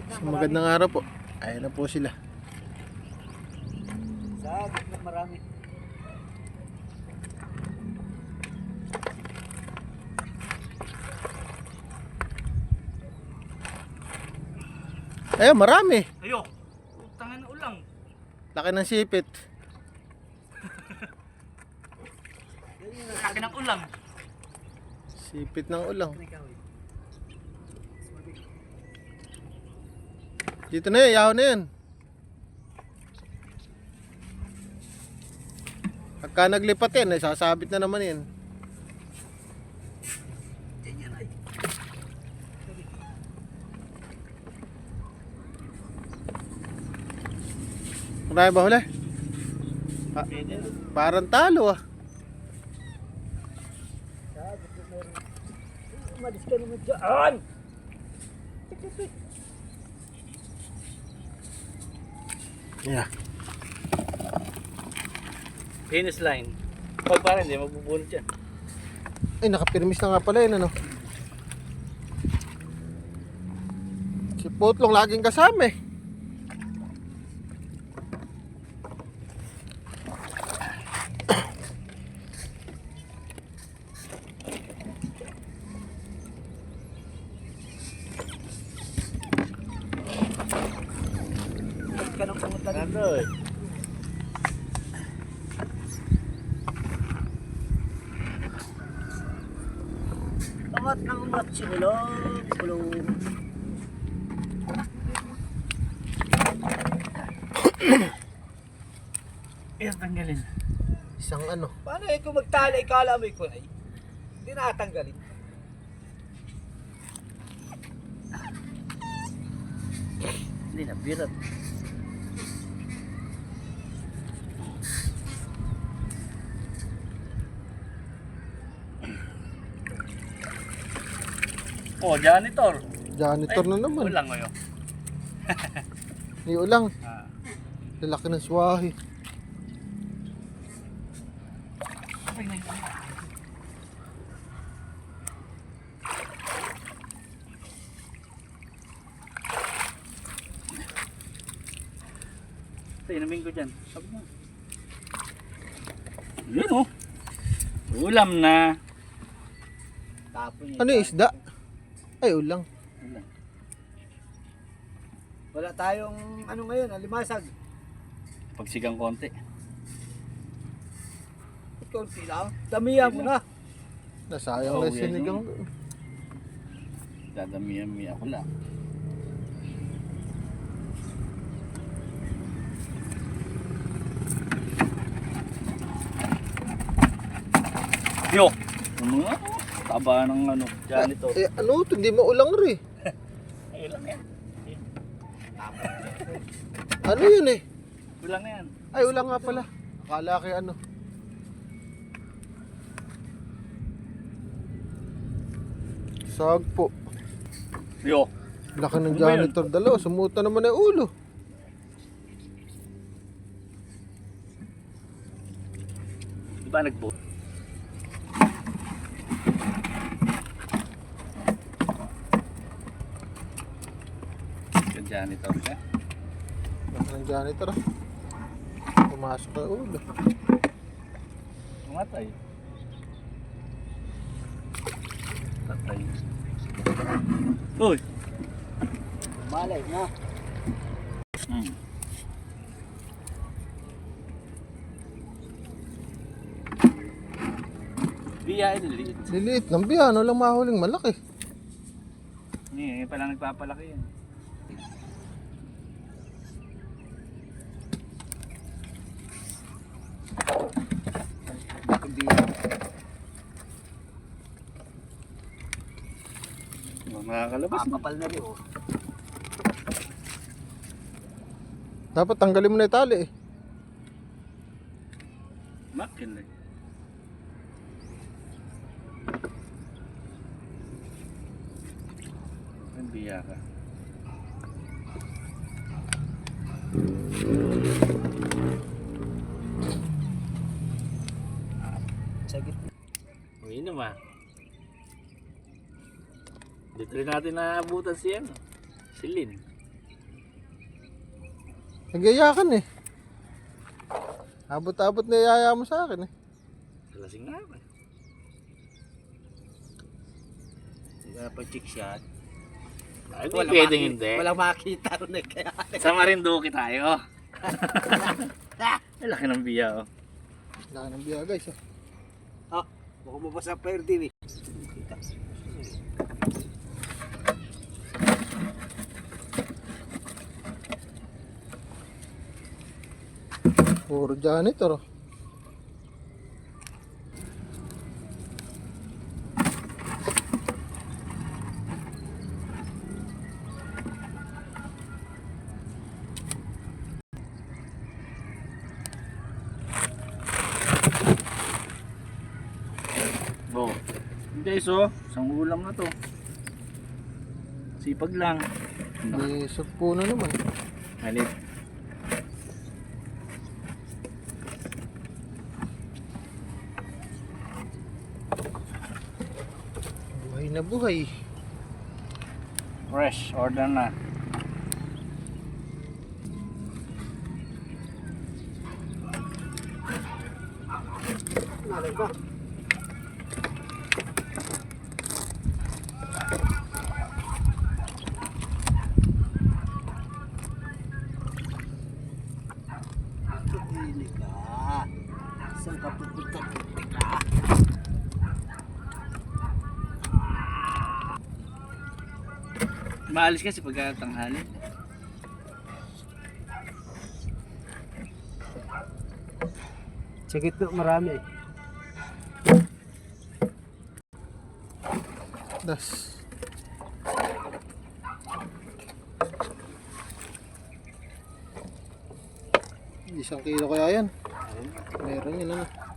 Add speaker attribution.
Speaker 1: So, magandang araw po. Ayan na po sila.
Speaker 2: Sa gitna marami.
Speaker 1: Ayan, marami.
Speaker 2: Ayo. Utangan ulang.
Speaker 1: Laki ng sipit.
Speaker 2: Laki ng ulang.
Speaker 1: Sipit ng ulang. Dito na yan, yaho na yan. Pagka naglipat yan, ay sasabit na naman yan. Marami ba huli? Parang talo ah.
Speaker 2: Umalis ka naman dyan.
Speaker 1: Yeah.
Speaker 2: Finish line. Pag parang hindi, magbubunot yan.
Speaker 1: Ay, nakapirmis na nga pala yun, ano? Si Potlong laging kasama eh.
Speaker 2: Ka nang pumunta dito. Tamat ng umat sinulong. Kulong. Ayan, tanggalin.
Speaker 1: Isang ano.
Speaker 2: Paano eh kung magtali, ikala mo ko ay hindi natanggalin. Hindi na, birat. Oh, janitor.
Speaker 1: Janitor na naman.
Speaker 2: Ulang mo yun.
Speaker 1: Ni ulang.
Speaker 2: Ah.
Speaker 1: Lalaki ng swahi.
Speaker 2: Ito, inamin ko dyan. Sabi mo. Yun oh. Ulam na. Tapon niya.
Speaker 1: Ano yung isda? Ay, ulang.
Speaker 2: Ulam. Wala tayong ano ngayon, alimasag. Pagsigang konti. Konti lang. Damihan mo na.
Speaker 1: Nasayang
Speaker 2: Oh,
Speaker 1: na
Speaker 2: yan
Speaker 1: sinigang.
Speaker 2: Dadamihan mo ako lang. Yo! Ano nga? Taba ng ano, janitor.
Speaker 1: Eh, ano ito? Hindi mo ulang rin.
Speaker 2: Ay, ulang yan.
Speaker 1: Ano yun eh?
Speaker 2: Ulang yan.
Speaker 1: Ay, ulang nga pala. Akala kay ano. Sagpo.
Speaker 2: Yo!
Speaker 1: Laki ng
Speaker 2: Ano ba yun?
Speaker 1: janitor dalawa. Sumuta naman ang ulo.
Speaker 2: Di ba nagbo? Janitor ka?
Speaker 1: Laki ng janitor ah. Pumasok ang ulo.
Speaker 2: Tumatay. Tatay. Uy! Malay na. Biya ililiit.
Speaker 1: Liliit ng biyan. Walang mahuling malaki.
Speaker 2: Hindi, pala nagpapalaki yan. Makakalabas na. Kapal na rin oh.
Speaker 1: Dapat tanggalin mo na yung tali eh.
Speaker 2: Makin na. Ang biya ka. Sagit. Uy naman. Dito rin natin naabutan si ano, si Lynn.
Speaker 1: Nagayakan eh. Abot-abot na yaya mo sa akin eh.
Speaker 2: Lasing nga ba? Kaya pa chick shot.
Speaker 3: Ay, di pwedeng hindi.
Speaker 2: Walang makita rin eh. Kaya
Speaker 3: Sa Marinduque tayo. Ay, laki ng biya, oh.
Speaker 1: Laki ng biya guys ah.
Speaker 2: baka mabasa pa yun din eh. Kita.
Speaker 1: Puro janitor oh.
Speaker 3: Oh. Guys, oh. Isang ulam na to. Sipag lang.
Speaker 1: May sugpo na naman.
Speaker 3: Halit.
Speaker 1: Buhay na buhay.
Speaker 3: Fresh. Order na.
Speaker 2: Nalay ba? Hindi ka. Saan ka pupunta ka?
Speaker 3: Maalis kasi pagka tanghali.
Speaker 2: Sa gitna marami eh.
Speaker 1: Das. Isang kilo kaya yan. Meron yun ano.